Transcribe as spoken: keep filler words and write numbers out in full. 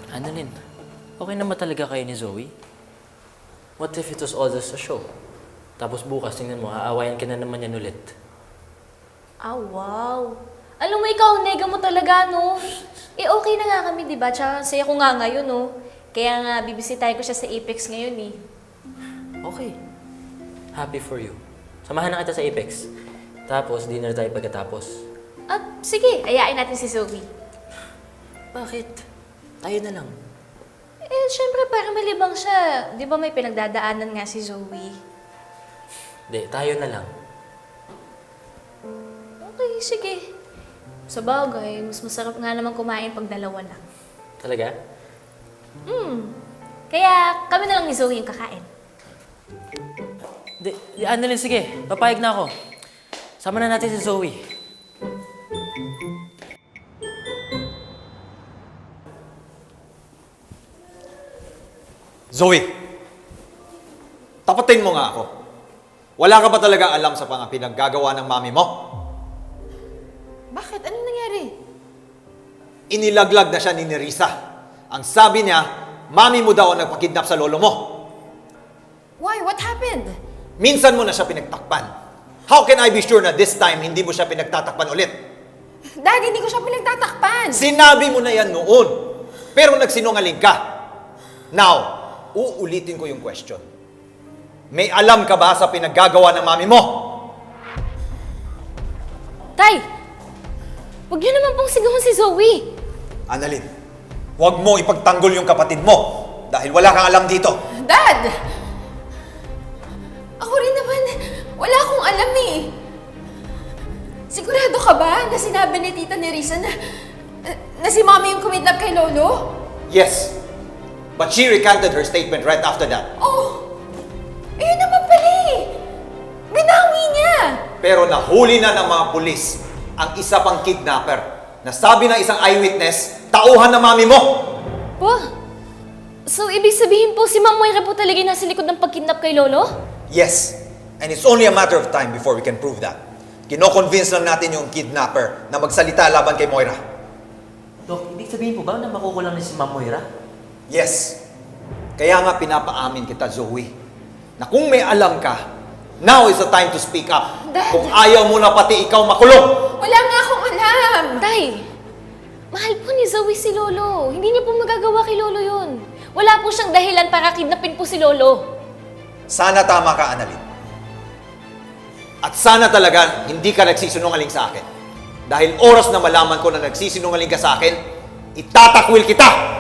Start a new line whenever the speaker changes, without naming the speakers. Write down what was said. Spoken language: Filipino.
Annalyn, okay naman talaga kayo ni Zoe? What if it was all just a show? Tapos bukas, tingnan mo, aawayan ka na naman yan ulit.
Ah, wow. Alam mo, ikaw, nega mo talaga, no? Eh, okay na nga kami, di ba? Tsaka saya ko nga ngayon, no? Kaya nga, bibisitahin ko siya sa Apex ngayon, eh.
Okay. Happy for you. Samahan na kita sa Apex. Tapos, dinner tayo pagkatapos.
At sige, ayain natin si Zoe.
Bakit? Tayo na lang.
Eh, syempre, para malibang siya. Di ba may pinagdadaanan nga si Zoe?
Hindi, tayo na lang.
Okay, sige. Sa bagay, mas masarap nga naman kumain pag dalawa lang.
Talaga?
Hmm. Kaya kami na lang ni Zoe yung kakain.
Di, di, Annalyn, sige. Papayag na ako. Sama na natin si Zoe.
Zoe, tapatin mo nga ako. Wala ka ba talaga alam sa mga pinaggagawa ng mami mo?
Bakit? Anong nangyari?
Inilaglag na siya ni Nerissa. Ang sabi niya, mami mo daw ang nagpakidnap sa lolo mo.
Why? What happened?
Minsan mo na siya pinagtakpan. How can I be sure na this time hindi mo siya pinagtatakpan ulit?
Dad, hindi ko siya pinagtatakpan.
Sinabi mo na yan noon. Pero nagsinungaling ka. Now, uulitin ko yung question. May alam ka ba sa pinaggagawa ng mami mo?
Tay! Huwag niyo naman pong sigawan si Zoe.
Annalyn, huwag mo ipagtanggol yung kapatid mo dahil wala kang alam dito.
Dad! Ako rin naman, wala akong alam eh. Sigurado ka ba na sinabi ni Tita Nerissa na, na si Mami yung kumidnap kay Lolo?
Yes, but she recanted her statement right after that.
Oh! Ayun naman pala eh! Binawi niya!
Pero nahuli na ng mga pulis ang isa pang kidnapper na sabi ng isang eyewitness, tauhan ng mami mo!
Po? So, ibig sabihin po si Ma'am Moira po talaga yung nasa likod ng pagkidnap kay Lolo?
Yes, and it's only a matter of time before we can prove that. Kino-convince lang natin yung kidnapper na magsalita laban kay Moira.
Dok, ibig sabihin po ba na makukulang na si Ma'am Moira?
Yes, kaya nga pinapaamin kita, Zoe, na kung may alam ka, now is the time to speak up.
Dad!
Kung ayaw mo na pati ikaw makulong!
Wala nga akong alam!
Tay! Mahal po ni Zoe si Lolo. Hindi niya po magagawa kay Lolo yun. Wala po siyang dahilan para kidnapin po si Lolo.
Sana tama ka, Annalyn. At sana talaga hindi ka nagsisinungaling sa akin. Dahil oras na malaman ko na nagsisinungaling ka sa akin, itatakwil kita!